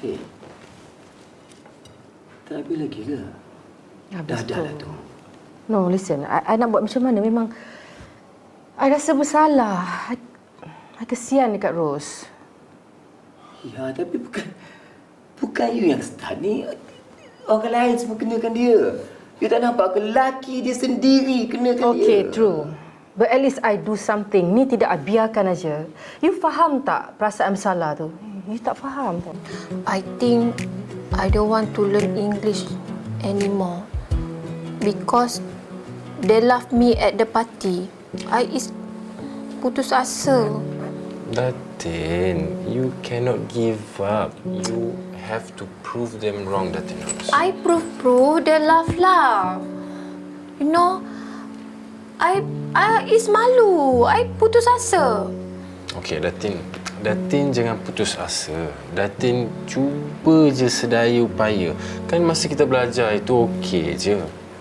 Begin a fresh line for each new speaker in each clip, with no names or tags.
Hei, tak habis lagi ke? Dah lah tu.
No, listen. I nak buat macam mana? Memang I rasa bersalah. I kesian dekat Rose.
Ya, tapi bukan you yang start ni. Orang lain semua kenakan dia. You tak nampak ke lelaki dia sendiri kenakan dia?
Okay, true. But at least I do something. Ni tidak I biarkan aja. You faham tak perasaan bersalah tu? You tak faham tak?
I think I don't want to learn English anymore because they love me at the party. I is putus asa.
Datin, you cannot give up. You have to prove them wrong, Datin.
I prove they love. You know, I is malu. I putus asa.
Okey, Datin. Datin jangan putus asa. Datin cuba je sedaya upaya. Kan masa kita belajar itu okey je.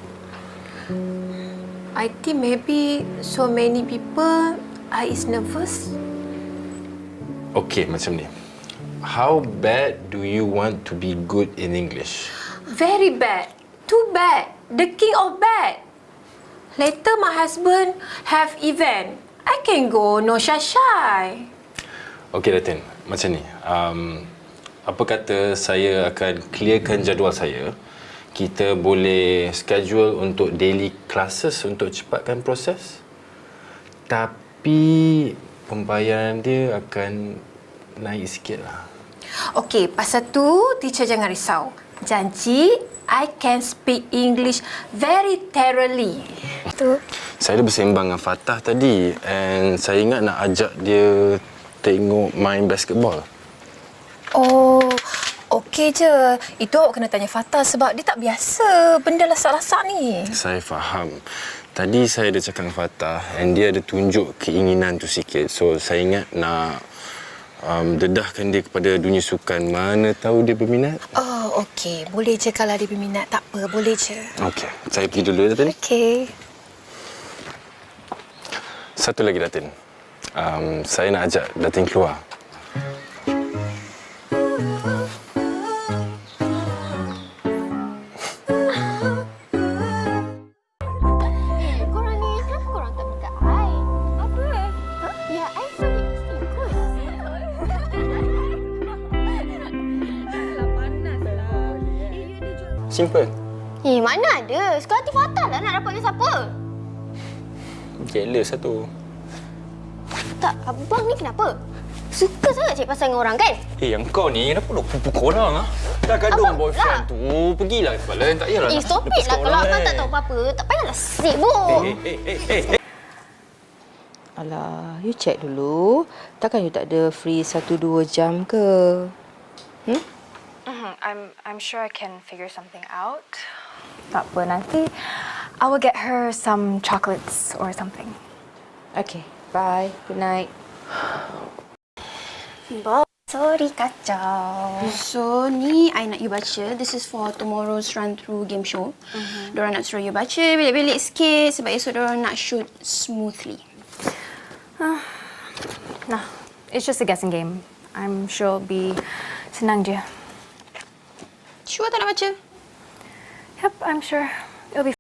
I think maybe so many people I is nervous.
Okey, macam ni. How bad do you want to be good in English?
Very bad. Too bad. The king of bad. Later my husband have event. I can go no shy.
Okey, Datin. Macam ni. Apa kata saya akan clearkan jadual saya. Kita boleh schedule untuk daily classes untuk cepatkan proses. Tapi pembayaran dia akan naik sikit lah.
Okey, pasal tu teacher jangan risau. Janji I can speak English very thoroughly. Tu.
Saya dah bersembang dengan Fatah tadi and saya ingat nak ajak dia tengok main basketball.
Oh, okey je. Itu awak kena tanya Fatah sebab dia tak biasa benda lasak-lasak ni.
Saya faham. Tadi saya dah cakap dengan Fatah and dia ada tunjuk keinginan tu sikit. So saya ingat nak dedahkan dia kepada dunia sukan. Mana tahu dia berminat.
Oh, okey. Boleh je kalau dia berminat. Tak apa, boleh je.
Okey, saya pergi dulu ya, Datin.
Okey.
Satu lagi, Datin. Saya nak ajak Datin keluar.
Korang ni, kenapa korang tak dekat I? Apa? Ya, I free ikut.
Simple.
Mana ada? Sekarang hati Fatah lah nak dapat dengan siapa?
Jealous satu.
Tak, abang ni kenapa? Suka sangat cari pasal dengan orang kan?
Yang kau ni kenapa duk pupuk orang ah? Dah gaduh dengan boyfriend tu. Pergilah tempat lain, tak payahlah.
Stop it lah. Kalau abang tak tahu apa-apa, tak payahlah sibuk.
Alah, you check dulu. Takkan you tak ada free 1-2 jam ke?
I'm sure I can figure something out. Tak apa, nanti I will get her some chocolates or something.
Okay, bye. Good night.
Sorry, kacau. So, ni I nak you baca. This is for tomorrow's run-through game show. Diorang nak suruh you baca belik-belik sikit sebab esok diorang nak shoot smoothly.
Nah, it's just a guessing game. I'm sure it'll be senang je.
Sure tak nak baca?
Yep, I'm sure. It'll be